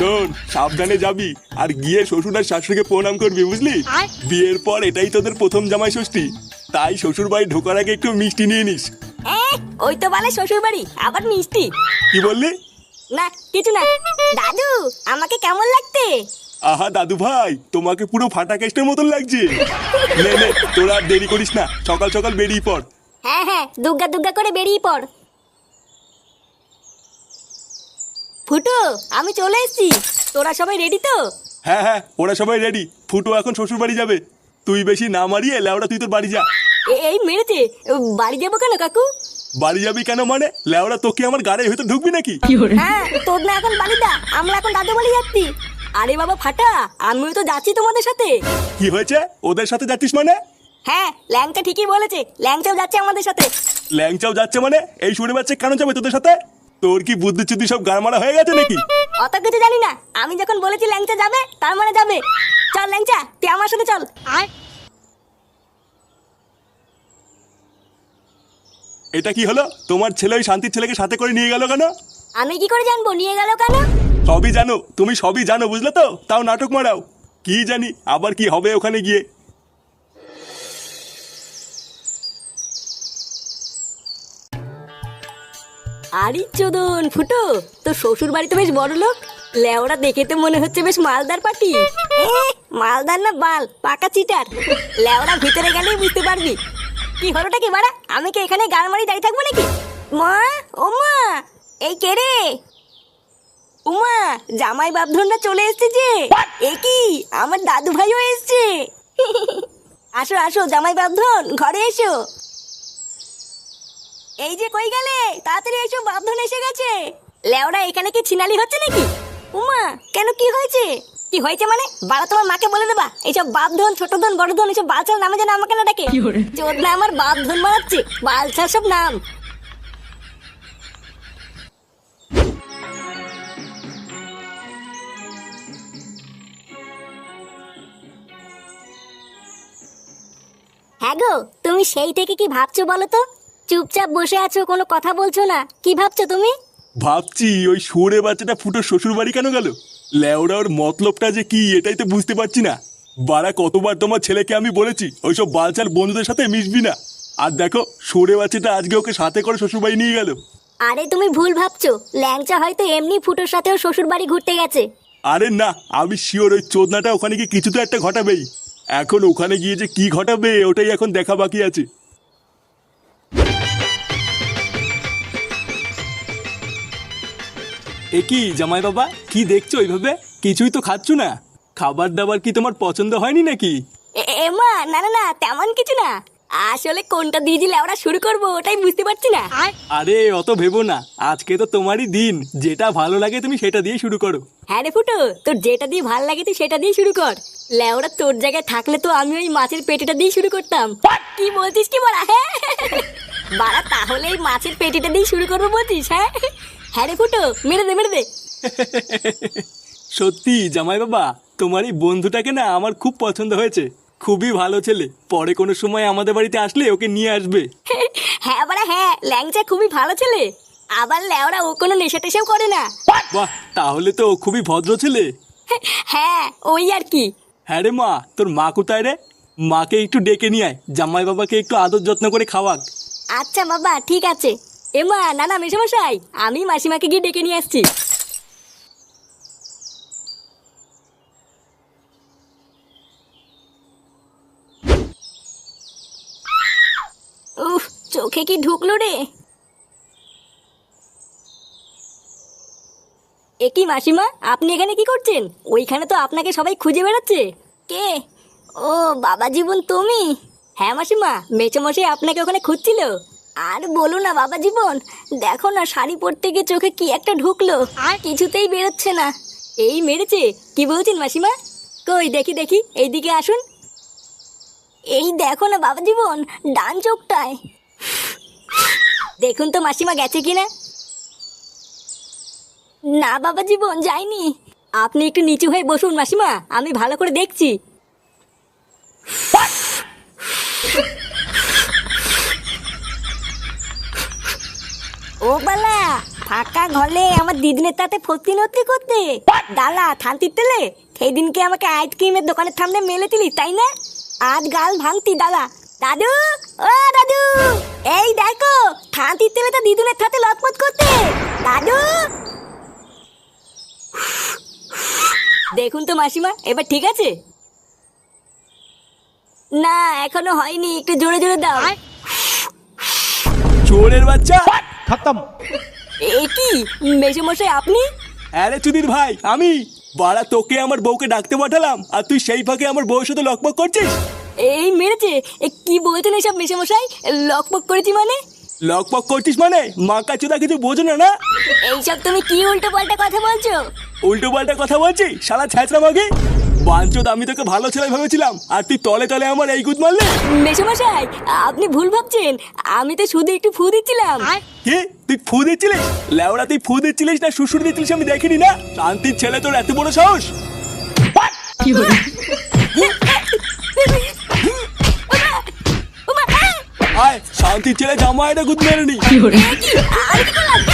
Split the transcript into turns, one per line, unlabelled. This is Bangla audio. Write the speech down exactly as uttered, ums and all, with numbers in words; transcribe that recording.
শোন, সাবধানে যাবি আর গিয়ে শ্বশুর আর শাশুড়িকে প্রণাম করবি, বুঝলি? বিয়ের পর এটাই তোদের প্রথম জামাই ষষ্ঠী, তাই শ্বশুর বাড়ি ঢোকার আগে একটু মিষ্টি নিয়ে নিস।
ওই তো বলে শ্বশুর বাড়ি, আবার মিষ্টি?
কি বললি?
না কিছু না। দাদু, আমাকে কেমন লাগতে?
আহা দাদু ভাই, তোমাকে পুরো ফাটা কেস্টের মতন লাগছে। নে নে, তোরা আর দেরি করিস না, সকাল সকাল বেরিয়ে পড়।
হ্যাঁ হ্যাঁ, দুগ্গা দুগ্গা করে বেরিয়ে পড়। ফুটু, আমি চলে এসেছি। তোরা সবাই রেডি তো?
হ্যাঁ হ্যাঁ, ওরা সবাই রেডি। ফুটো এখন শ্বশুর বাড়ি যাবে। তুই বেশি না মারিয়ে লেওড়া তুই তোর বাড়ি যা।
এ- এই মেরেছে। বাড়ি যাবো কেন কাকু?
বাড়ি যাবি কেন মানে? লেওড়া তোকে আমার গাড়ি হয়তো ঢুকবি নাকি?
হ্যাঁ, তোর না এখন বাড়ি দা, আমরা এখন দাদু বাড়ি যাচ্ছি। আরে বাবা ফাটা, আমিও তো যাচ্ছি তোমাদের সাথে।
কি হয়েছে? ওদের সাথে যাচ্ছিস মানে?
হ্যাঁ, ল্যাংচা ঠিকই বলেছে, ল্যাংচাও যাচ্ছে আমাদের সাথে।
ল্যাংচাও যাচ্ছে মানে? এই শুনে বাচ্চা কেন যাবে তোদের সাথে? তোর কি বুদ্ধি চুদ্ধি সব গাড়মারা হয়ে গেছে নাকি?
অত কিছু জানি না, আমি যখন বলেছি ল্যাংচা যাবে তার মানে যাবে। চল ল্যাংচা, তুই আমার সাথে চল। আর
এটা কি হলো? তোমার ছেলে ওই শান্তির ছেলেকে সাথে করে নিয়ে গেল কেন?
আমি কি করে জানবো নিয়ে গেল কেন?
সবই জানো, তুমি সবই জানো, বুঝলে তো? তাও নাটক মারাও। কি জানি আবার কি হবে ওখানে গিয়ে।
আরে চোদন ফুটো, তো শ্বশুর বাড়ি তো বেশ বড় লোক। লেওরা দেখে তো মনে হচ্ছে বেশ মালদার পাটি। মালদার না বাল, পাকা চিটার। লেওরা ভিতরে গেলেই বুঝতে পারবি। কি হলোটা কি বাড়া? আমি কি এখানে গান মারি দাঁড়িয়ে থাকবো নাকি? মা, ও মা, এই কে রে? উমা, জামাই বাপধনটা চলে এসেছে যে। এ কি, আমার দাদু ভাইও এসেছে। আসো আসো জামাই বাপধন, ঘরে এসো। এই যে কই গেলে, তাড়াতাড়ি এসো, বাপধন এসে গেছে। লেওরা এখানে কি ছিনালি হচ্ছে নাকি? উমা, কেন কি হয়েছে? কি হয়েছে মানে? বাড়া তোমার মাকে বলে দেবা এইসব বাপধন, ছোট ধন, বড় ধন এইসব বালছাল নামে যেন আমাকে না ডাকে। চোদনা আমার বাপধন মারাচ্ছে, বালছাল সব নাম। হ্যাঁ গো, তুমি সেই থেকে কি ভাবছো বলো তো? চুপচাপ বসে আছো, কোনো কথা বলছো না, কি ভাবছো তুমি?
ভাবছি ওই শুয়োরে বাচ্চাটা ফুটো শ্বশুর বাড়ি কেন গেল। লেওড়া ওর মতলবটা যে কি এটাই তো বুঝতে পারছি না। বাড়া কতবার তোমার ছেলেকে আমি বলেছি ওইসব বালচাল বন্ধুদের সাথে মিশবি না। আর দেখো শুয়োরে বাচ্চাটা আজকে ওকে সাথে করে শ্বশুর বাড়ি নিয়ে গেল।
আরে তুমি ভুল ভাবছো, ল্যাংচা হয়তো এমনি ফুটোর সাথেও শ্বশুর বাড়ি ঘুরতে গেছে।
আরে না, আমি শিওর ওই চোদনাটা ওখানে গিয়ে কিছু তো একটা ঘটাবেই। এখন ওখানে গিয়ে যে কি ঘটাবে ওটাই এখন দেখা বাকি আছে। এ কি জামাই বাবা, কি দেখছো ওইভাবে? কিছুই তো খাচ্ছ না। খাবার দাবার কি তোমার পছন্দ হয়নি নাকি?
এ- এমা, না না না, তেমন কিছু না। আসলে কোনটা দিয়ে দিলে আমরা শুরু করবো ওটাই বুঝতে পারছি না।
আরে অত ভেবো না, আজকে তো তোমারই দিন, যেটা ভালো লাগে তুমি সেটা দিয়ে শুরু করো।
হ্যাঁ রে ফুটো, তোর যেটা দিয়ে ভাল লাগে তুই সেটা দিয়ে শুরু কর। লেওরা তোর জায়গায় থাকলে তো আমি ওই মাছের পেটিটা দিয়ে শুরু করতাম। কি বলছিস কি বলা? হ্যাঁ বাড়া, তাহলে এই মাছের পেটিটা দিয়ে শুরু করবো বলছিস? হ্যাঁ হ্যাঁ রে ফুটো, মেরে দে মেরে দে।
সত্যি জামাই বাবা, তোমার এই বন্ধুটাকে না আমার খুব পছন্দ হয়েছে। খুবই ভালো ছেলে, পরে কোনো সময় আমাদের বাড়িতে আসলে ওকে নিয়ে আসবে।
হ্যাঁ বাড়া হ্যাঁ, ল্যাংচা খুবই ভালো ছেলে। আবার লেওরা ও কোনো নেশা টেশাও করে না।
বাহ, তাহলে তো ও খুবই ভদ্র ছেলে।
হ্যাঁ ওই আর কি।
হ্যাঁ রে মা, তোর মা কোথায় রে? মাকে একটু ডেকে নিয়ে আয়, জামাই বাবাকে একটু আদর যত্ন করে খাওয়াক।
আচ্ছা বাবা ঠিক আছে। এমা, না না মেশামশাই, আমি মাসিমাকে গিয়ে ডেকে নিয়ে আসছি। উফ, চোখে কি ঢুকলো রে? এ কি মাসিমা, আপনি এখানে কি করছেন? ওইখানে তো আপনাকে সবাই খুঁজে বেড়াচ্ছে। কে? ও বাবা জীবন, তুমি? হ্যাঁ মাসিমা, মেচোমশাই আপনাকে ওখানে খুঁজছিল। আর বলো না বাবা জীবন, দেখো না শাড়ি পরতে গিয়ে চোখে কি একটা ঢুকলো, আর কিছুতেই বেরোচ্ছে না। এই মেরেছে? কি বলছেন মাসিমা? কই দেখি দেখি, এইদিকে আসুন। এই দেখো না বাবা জীবন, ডান চোখটায়। দেখুন তো মাসিমা গেছে কিনা। না বাবা জীবন, যাইনি। আপনি একটু নিচু হয়ে বসুন মাসিমা, আমি ভালো করে দেখছি। ও বালা, ফাঁকা ঘরে আমার দিদিনের তাতে ফতি নতি করতে ডালা থানতির তেলে সেই দিনকে আমাকে আইসক্রিমের দোকানের সামনে মেলে দিলি তাই না? আজ গাল ভাঙতি ডালা। দাদু, ও দাদু, এই দেখো থানতির তেলে তো দিদুনের সাথে লটপট করতে। দাদু, দেখুন তো মাসিমা, এবার ঠিক আছে? না এখনো হয়নি, একটু জোরে জোরে দাও।
চোরের বাচ্চা,
खत्म।
এ কি মেসোমশাই আপনি?
আরে চুদির ভাই আমি। বাড়া তোকে আমার বউকে ডাকতে পাঠালাম আর তুই সেই ফাঁকে আমার বউয়ের সাথে লকপক করছিস।
এই মেরেছে? এ কি বলছেন এসব মেসোমশাই? লকপক করেছি মানে?
লকপক করছিস মানে মাকা চোদা কিছু বোঝো না না?
এইসব তুমি কি উল্টো পাল্টা কথা বলছো?
উল্টো পাল্টা কথা বলছি শালা ছ্যাঁচড়া মাগে। বাঞ্চোদ আমি তোকে ভালো ছেলে ভেবেছিলাম আর তুই তলে তলে আমার এই গুদ মারলে।
মেসোমশাই আপনি ভুল ভাবছেন, আমি তো শুধু একটু ফু দিচ্ছিলাম।
কে তুই ফু দিচ্ছিলিস? লেওড়া তুই ফু দিচ্ছিলিস না শ্বশুর দিচ্ছিলিস আমি দেখিনি না। শান্তির ছেলে তোর এত বড় সাহস? আয় শান্তির ছেলে জামা এটা গুদ মেরে নি।
এ কি? আর কি করলাম?